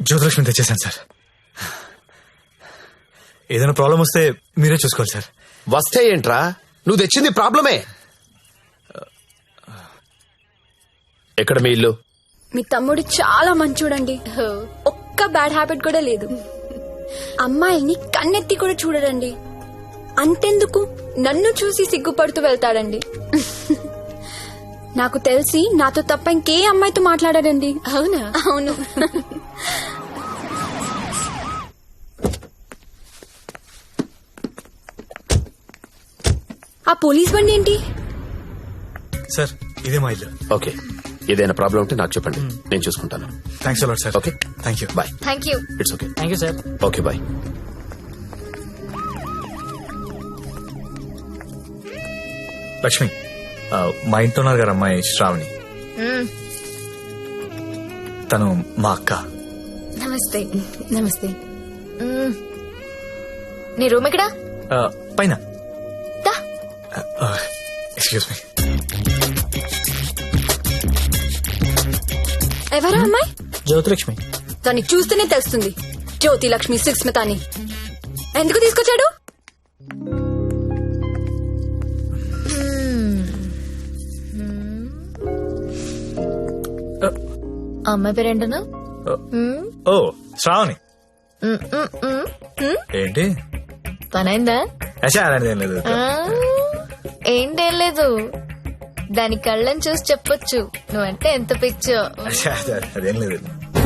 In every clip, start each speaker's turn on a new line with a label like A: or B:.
A: జ్యోతిలక్ష్మి తెచ్చేసాను సార్. ఏదైనా ప్రాబ్లం వస్తే మీరే చూసుకోవాలి సార్.
B: వస్తే ఏంట్రా, నువ్వు తెచ్చింది ప్రాబ్లమే. ఎక్కడ మీ ఇల్లు?
C: మీ తమ్ముడు చాలా మంచోడండి. ఒక్క బ్యాడ్ హ్యాబిట్ కూడా లేదు. అమ్మాయిల్ని కన్నెత్తి కూడా చూడడండి. అంతెందుకు నన్ను చూసి సిగ్గుపడుతూ వెళ్తాడండి. నాకు తెలిసి నాతో తప్ప ఇంకే అమ్మాయితో మాట్లాడాడండి.
D: అవునా?
C: అవును. ఆ పోలీస్ బండి ఏంటి?
A: సార్ ఇదే మా ఇల్లు.
B: ఓకే, ఏదైనా ప్రాబ్లం ఉంటే నాకు చెప్పండి, నేను చూసుకుంటాను.
A: Thanks a lot sir.
B: Okay,
A: thank you.
B: Bye.
D: Thank you.
B: It's okay.
E: Thank you sir.
B: Okay, bye.
A: Lakshmi, మా ఇంట్లో ఉన్నారు గారు అమ్మాయి శ్రావణి. తను మా అక్క.
D: నమస్తే. నమస్తే. నీ రూమ్ ఎక్కడా?
A: పైన. Excuse me.
C: ఎవరా అమ్మాయి?
E: జ్యోతిలక్ష్మి.
C: దాన్ని చూస్తేనే తెలుస్తుంది. జ్యోతి లక్ష్మి సుస్మిత అని. ఎందుకు తీసుకొచ్చాడు?
D: అమ్మాయి పేరేంటను?
A: ఓ శ్రావణి. ఏంటి
D: పనైందా?
A: అలాంటిది ఏం లేదు.
D: ఏంటేం లేదు, దాని కళ్ళని చూసి చెప్పొచ్చు నువ్వంటే ఎంత పిచ్చో.
A: అదేం లేదు.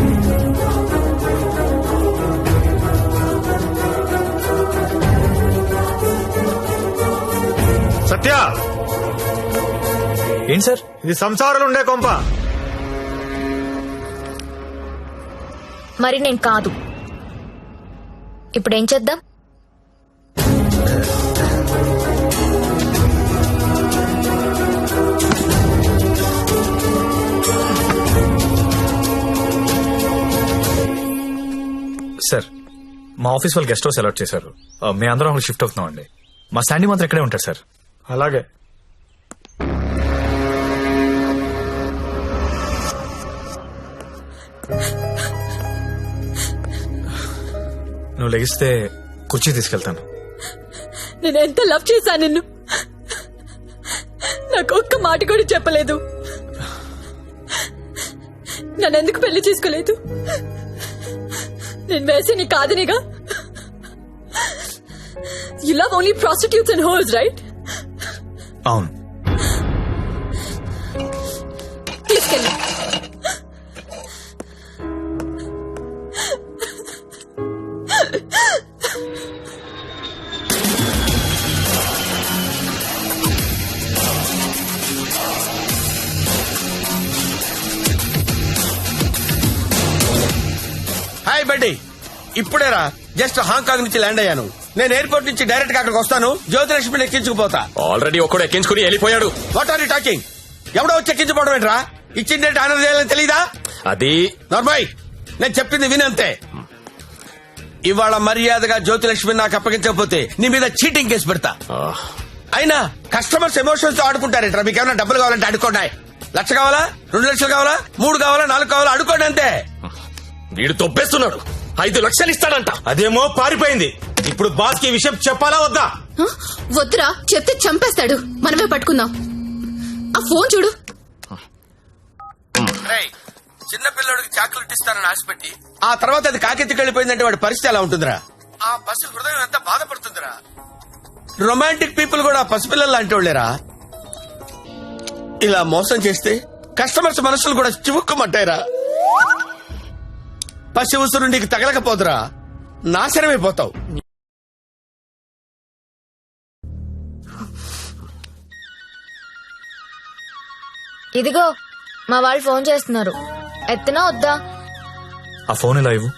F: సత్య,
A: ఏంటి సార్?
F: ఇది సంసారాలు ఉండే కొంప.
D: మరి నేను కాదు. ఇప్పుడేం చేద్దాం?
A: సార్, మా ఆఫీస్ వాళ్ళు గెస్ట్ హౌస్ అలాట్ చేశారు. మేము అందరం అక్కడ షిఫ్ట్ అవుతున్నాం అండి. మా శాండీ మాత్రం ఇక్కడే ఉంటారు సార్.
F: అలాగే.
A: నువ్వు లెగిస్తే కుర్చీ తీసుకెళ్తాను.
C: నేను ఎంత లవ్ చేశాను నిన్ను. నాకు ఒక్క మాట కూడా చెప్పలేదు. నన్నెందుకు పెళ్లి చేసుకోలేదు? నేను వేసి నీ కాదనిగా. You love only prostitutes and whores, right?
A: అవును.
C: తీసుకెళ్ళి.
G: హాయ్ బడ్డీ, ఇప్పుడేరా జస్ట్ హాంకాంగ్ నుంచి ల్యాండ్ అయ్యాను. నేను ఎయిర్పోర్ట్ నుంచి డైరెక్ట్ గా అక్కడికి వస్తాను. జ్యోతిలక్ష్మిని ఎక్కించుకుపోతా.
B: ఆల్రెడీ ఒకడు ఎక్కించుకుని వెళ్ళిపోయాడు.
G: What are you talking? ఎవడో వచ్చి ఎక్కించుకోవడం ఏంట్రా? ఇచ్చిందంటే ఆనందం చేయాలని తెలీదా?
B: అది
G: నార్మల్, నేను చెప్పింది వినంతే. ఇవాళ మర్యాదగా జ్యోతిలక్ష్మి నాకు అప్పగించకపోతే నీ మీద చీటింగ్ కేసు పెడతా. అయినా కస్టమర్స్ ఎమోషన్స్ తో ఆడుకుంటారేంట్రా? మీకు ఏమైనా డబ్బులు కావాలంటే అడుకోండి. 1,00,000 కావాలా, 2 లక్షలు కావాలా, 3 కావాలా, 4 కావాలా, అడుకోండి అంతే.
B: వీడు తొప్పేస్తున్నాడు. 5 లక్షలు ఇస్తాడంట.
F: అదేమో పారిపోయింది. ఇప్పుడు బాస్ కి విషయం చెప్పాలా వద్దా?
D: వద్దురా, చెప్తే చంపేస్తాడు. మనమే పట్టుకుందాం. ఆ ఫోన్ చూడు.
G: చిన్న పిల్లడికి చాక్లెట్ ఇస్తానని ఆశపెట్టి ఆ తర్వాత అది కాకెత్తికి వెళ్ళిపోయిందంటే వాడి పరిస్థితి ఎలా ఉంటుందిరా? ఆ పసి హృదయం ఎంత బాధపడుతుందిరా? రొమాంటిక్ పీపుల్ కూడా పసిపిల్లలు లాంటి వాళ్ళేరా. ఇలా మోసం చేస్తే కస్టమర్స్ మనసులు కూడా చివుక్కుమంటాయిరా. పసి ఉసురు నీకు తగలకపోదురా, నాశనమైపోతావు.
D: ఇదిగో మా వాళ్ళు ఫోన్ చేస్తున్నారు. ఎత్తనా వద్దా?
A: ఆ ఫోన్ ఇలా ఇవ్వు.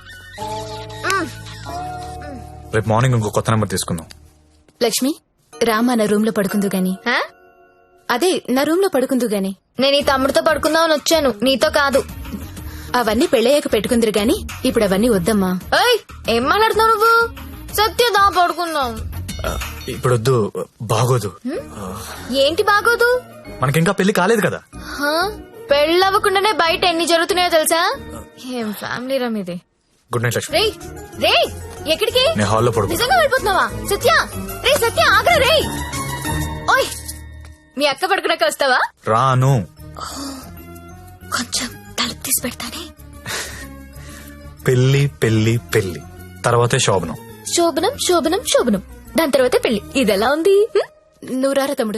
A: రేపు మార్నింగ్ ఇంకో కొత్త నెంబర్ తీసుకుందాం.
H: లక్ష్మి, రామా నా రూమ్ లో పడుకుందు గాని. అదే నా రూమ్ లో పడుకుందు గాని.
D: నేను ఈ తమ్ముడితో పడుకుందామని వచ్చాను, నీతో కాదు.
H: అవన్నీ పెళ్ళయ్యాక పెట్టుకుందరు గాని ఇప్పుడు అవన్నీ వద్దమ్మా.
D: ఏయ్, ఏం మాట్లాడుతున్నావు నువ్వు? సత్యదా పడుకుందాం.
A: ఇప్పుడు వద్దు, బాగోదు.
D: ఏంటి బాగోదు?
A: మనకింకా పెళ్లి కాలేదు కదా.
D: పెళ్ళవ్వకుండానే బయట ఎన్ని జరుగుతున్నాయో తెలుసా? ఏం ఫ్యామిలీ రమ్ ఇది.
A: Good night Lakshmi.
D: రే రే ఎక్కడికి?
A: నేను హాల్లో పడుకో.
D: నిజంగా వెళ్ళిపోతున్నావా? సత్య రే సత్య ఆగ్రా రే. ఓయ్ మీ అక్క పడుకున్నాక వస్తావా?
A: రాను.
C: కొంచెం తలుపు తీసి పెడతానే.
A: పెళ్లి పెళ్లి పెళ్లి తర్వాతే శోభనం.
D: శోభనం శోభనం శోభనం దాని తర్వాత పెళ్లి. ఇదెలా ఉంది?
H: నువ్వు రారా తమ్ముడు.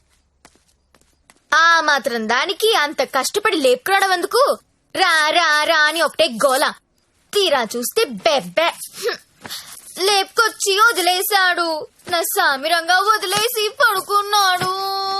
D: ఆ మాత్రం దానికి అంత కష్టపడి లేపుకురావడం ఎందుకు? రా రా రా అని ఒకటే గోల. తీరా చూస్తే బెబ్బె. లేపుకొచ్చి వదిలేశాడు. నా సామిరంగా వదిలేసి పడుకున్నాడు.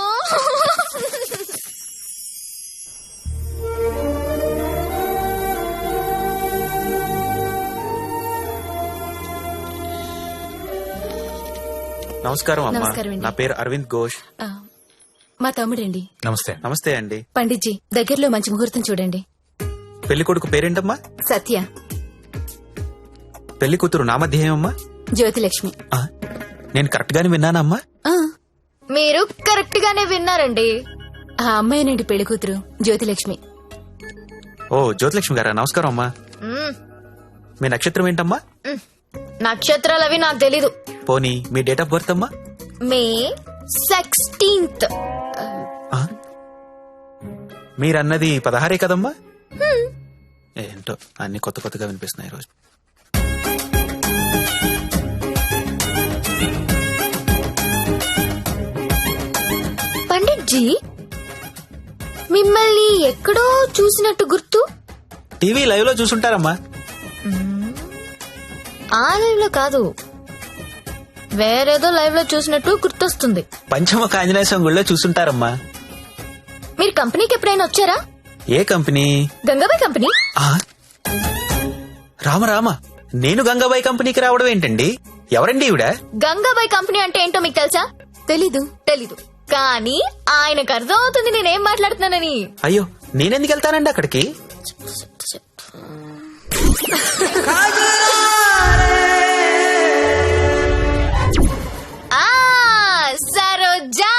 F: నమస్కారం అమ్మా.
H: నమస్కారం అండి.
F: నా పేరు అరవింద్ ఘోష్.
H: ఆ, మా తమ్ముడండి.
A: నమస్తే.
F: నమస్తే అండి.
H: పండిట్జీ దగ్గరలో మంచి ముహూర్తం చూడండి.
F: పెళ్లి కొడుకు పేరేంటమ్మా?
H: సత్య.
F: పెళ్లి కూతురు నామధ్యేయమ్మా?
H: జ్యోతిలక్ష్మి.
F: నేను కరెక్ట్ గానే విన్నానమ్మా?
H: ఆ,
D: మీరు కరెక్ట్ గానే విన్నారండి.
H: ఆ అమ్మాయినండి పెళ్లి కూతురు జ్యోతిలక్ష్మి.
F: ఓ జ్యోతిలక్ష్మి గారా, నమస్కారం అమ్మా.
D: మ్మ్.
F: మీ నక్షత్రం ఏంటమ్మా?
D: నక్షత్రాలు అవి నాకు తెలీదు.
F: పోనీ మీ డేట్ ఆఫ్ బర్త్ అమ్మా?
D: మే 16th.
F: మీరన్నది 16 కదమ్మా? ఏంటో అన్ని కొత్త కొత్తగా వినిపిస్తున్నాయి రోజు.
D: పండిట్జీ మిమ్మల్ని ఎక్కడో చూసినట్టు గుర్తు.
F: టీవీ లైవ్ లో చూసుంటారమ్మా.
D: ఆ లైవ్ లో కాదు, వేరేదో లైవ్ లో చూసినట్టు గుర్తొస్తుంది.
F: పంచముఖ ఆంజనేయ స్వామి గుళ్ళో చూసుంటారమ్మా.
D: మీరు కంపెనీకి ఎప్పుడైనా వచ్చారా?
F: ఏ కంపెనీ?
D: గంగాబాయ్ కంపెనీ.
F: రామ రామ, నేను గంగాబాయి కంపెనీకి రావడం ఏంటండి? ఎవరండి ఈవిడ?
D: గంగాబాయ్ కంపెనీ అంటే ఏంటో మీకు తెలుసా?
H: తెలీదు.
D: తెలీదు, కానీ ఆయనకు అర్థం అవుతుంది నేనేం మాట్లాడుతున్నానని.
F: అయ్యో, నేనెందుకు వెళ్తానండి అక్కడికి?
D: సరోజా.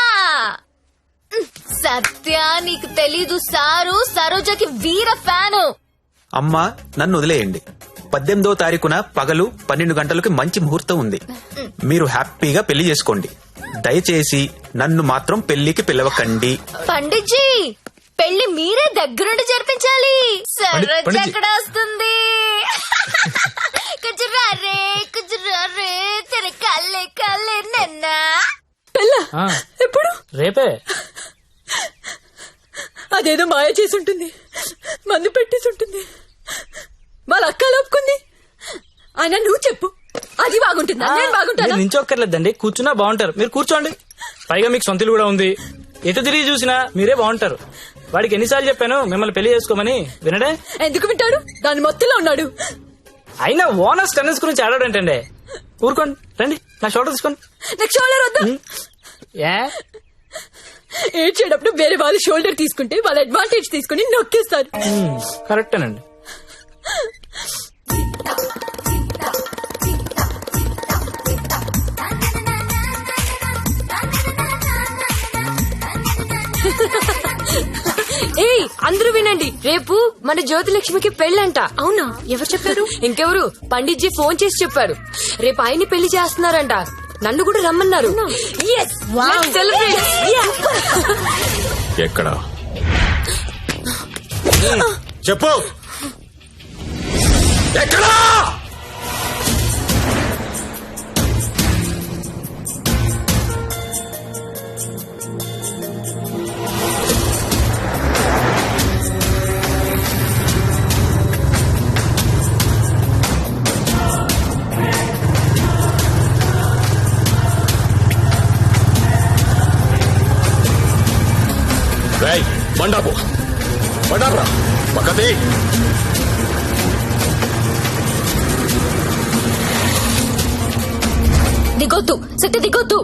D: సత్య నీకు తెలీదు, సారు సరోజాకి వీర ఫ్యాను.
F: అమ్మా నన్ను వదిలేయండి. 18వ తారీఖున పగలు 12 గంటలకు మంచి ముహూర్తం ఉంది. మీరు హ్యాపీగా పెళ్లి చేసుకోండి. దయచేసి నన్ను మాత్రం పెళ్లికి పిలవకండి.
D: పండిట్జీ పెళ్లి మీరే దగ్గరుండి జరిపించాలి. సరోజ
A: పండిట్జీ.
D: ఎక్కడ వస్తుంది? కుజురారే కుజురారే తెర కల్లే కల్లే నన్నా.
E: ఎప్పుడు? రేపే.
I: అదేదో మాయ చేసి ఉంటుంది, మందు పెట్టేసి ఉంటుంది. వాళ్ళ అక్క లోపుకుంది. ఆయన నువ్వు చెప్పు, అది బాగుంటుందా నేను బాగుంటానా?
E: మీరు నించొక్కర్లేదండి, కూర్చున్నా బాగుంటారు. మీరు కూర్చోండి. పైగా మీకు సొంతలు కూడా ఉంది. ఎటు తిరిగి చూసినా మీరే బాగుంటారు. వాడికి ఎన్నిసార్లు చెప్పాను మిమ్మల్ని పెళ్లి చేసుకోమని, వినడే?
I: ఎందుకు వింటాడు? దాని మొత్తంలో ఉన్నాడు.
E: అయినా ఓనర్స్ టెన్నిస్ గురించి ఆడాడంటండి. ఊరుకోండి, రండి నా షోల్డర్ తీసుకోండి.
I: నాకు షోల్డర్ వద్దా?
E: ఏ
I: ఏడ్చేటప్పుడు వేరే వాళ్ళు షోల్డర్ తీసుకుంటే వాళ్ళ అడ్వాంటేజ్ తీసుకుని నొక్కేస్తారు.
E: కరెక్టేనండి.
I: ఏయ్ అందరూ వినండి, రేపు మన జ్యోతిలక్ష్మికి పెళ్ళంట. అవునా? ఎవరు చెప్పారు? ఇంకెవరు? పండిట్జీ ఫోన్ చేసి చెప్పారు. రేపు ఆయన్ని పెళ్లి చేస్తున్నారంట. నన్ను కూడా రమ్మన్నారు. Yes, let's celebrate. Yeah.
B: ఎక్కడ?
G: చెప్పు.
B: ఎక్కడా? రేయ్, బండాపు బండారా పక్కది.
I: దిగొద్దు సత్య, దిగొద్దు.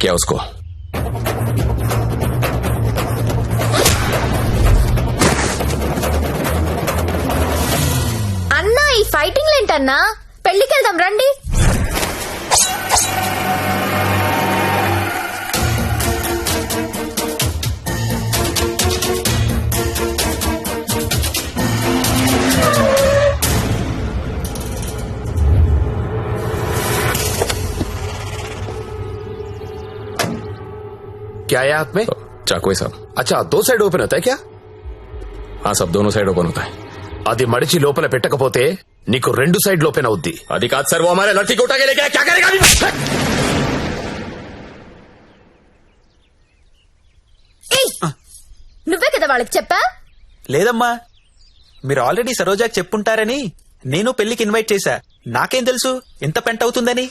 B: किया उसको।
D: అన్నా ఈ ఫైటింగ్ ఏంటన్నా? పెళ్లికి వెళ్దాం రండి.
B: क्या है हाथ में? चाकू है साहब। अच्छा, 2 साइड ओपन होता है क्या? हाँ साहब, दोनों साइड ओपन होता है। అది మడిచి లోపల పెట్టకపోతే నీకు 2 సైడ్ ఓపెన్ అవుద్ది. అది కాదు సార్, वो हमारे लड़की को उठा के लेके आया, क्या करेगा अभी?
D: నువ్వే కదా వాళ్ళకి చెప్పా.
F: లేదమ్మా, మీరు ఆల్రెడీ సరోజాకి చెప్పుంటారని నేను పెళ్లికి ఇన్వైట్ చేశా. నాకేం తెలుసు ఎంత పెంట అవుతుందని.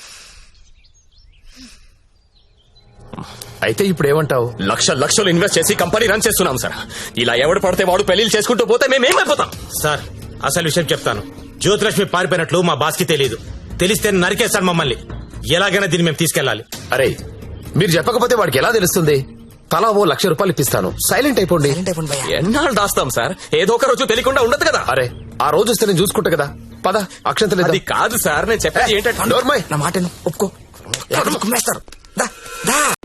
B: అయితే ఇప్పుడు ఏమంటావు? లక్షలు ఇన్వెస్ట్ చేసి కంపెనీ రన్ చేస్తున్నాం సార్. ఇలా ఎవడు పడితే వాడు పెళ్లిళ్ళు చేసుకుంటూ పోతే మేమేమైపోతాం?
J: సార్, అసలు విషయం చెప్తాను. జ్యోతిలక్ష్మి పారిపోయినట్లు మా బాస్ కి తెలియదు. తెలిస్తే నరికేస్తాడు మమ్మల్ని. ఎలాగైనా దీన్ని మేము తీసుకెళ్లాలి.
B: అరే, మీరు చెప్పకపోతే వాడికి ఎలా తెలుస్తుంది? తలా ఓ ₹1,00,000 ఇప్పిస్తాను, సైలెంట్ అయిపోండి. ఎన్నాళ్ళు దాస్తాం సార్? ఏదో ఒక రోజు తెలియకుండా ఉండదు కదా. అరే, ఆ రోజు వస్తే నేను చూసుకుంటా కదా. పద, అక్షంతలు. అది కాదు సార్, నేను చెప్పేది ఏంటంటే
K: నా మాట ఒప్పుకో.